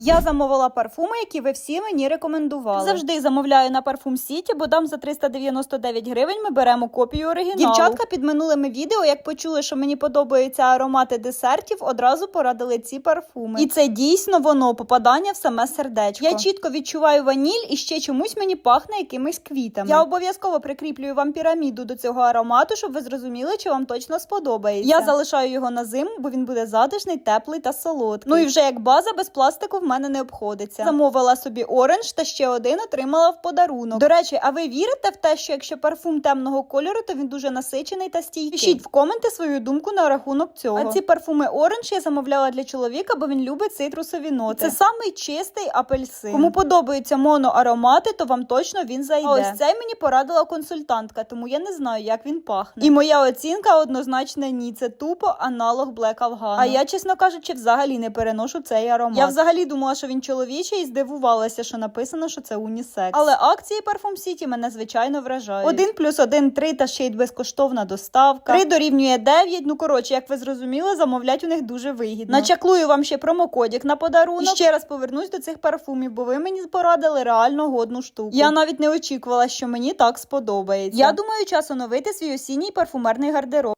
Я замовила парфуми, які ви всі мені рекомендували. Завжди замовляю на Парфум Сіті, бо там за 399 гривень ми беремо копію оригіналу. Дівчатка під минулими відео, як почули, що мені подобаються аромати десертів, одразу порадили ці парфуми. І це дійсно воно, попадання в саме сердечко. Я чітко відчуваю ваніль і ще чомусь мені пахне якимись квітами. Я обов'язково прикріплюю вам піраміду до цього аромату, щоб ви зрозуміли, чи вам точно сподобається. Я залишаю його на зиму, бо він буде затишний, теплий та солодкий. Ну і вже як база без пластику в мене не обходиться. Замовила собі оранж та ще один отримала в подарунок. До речі, а ви вірите в те, що якщо парфум темного кольору, то він дуже насичений та стійкий? Пишіть в коменти свою думку на рахунок цього. А ці парфуми оранж я замовляла для чоловіка, бо він любить цитрусові ноти. Це самий чистий апельсин. Кому подобаються моноаромати, то вам точно він зайде. А ось цей мені порадила консультантка, тому я не знаю, як він пахне. І моя оцінка однозначно ні. Це тупо аналог Black Afghan. А я, чесно кажучи, взагалі не переношу цей аромат. Я взагалі думала, що він чоловічий, і здивувалася, що написано, що це унісекс. Але акції Парфум Сіті мене, звичайно, вражають. 1+1 3 та ще й безкоштовна доставка. 3 дорівнює 9. Ну, коротше, як ви зрозуміли, замовлять у них дуже вигідно. Начаклую вам ще промокодик на подарунок. І ще раз повернусь до цих парфумів, бо ви мені порадили реально годну штуку. Я навіть не очікувала, що мені так сподобається. Я думаю, час оновити свій осінній парфумерний гардероб.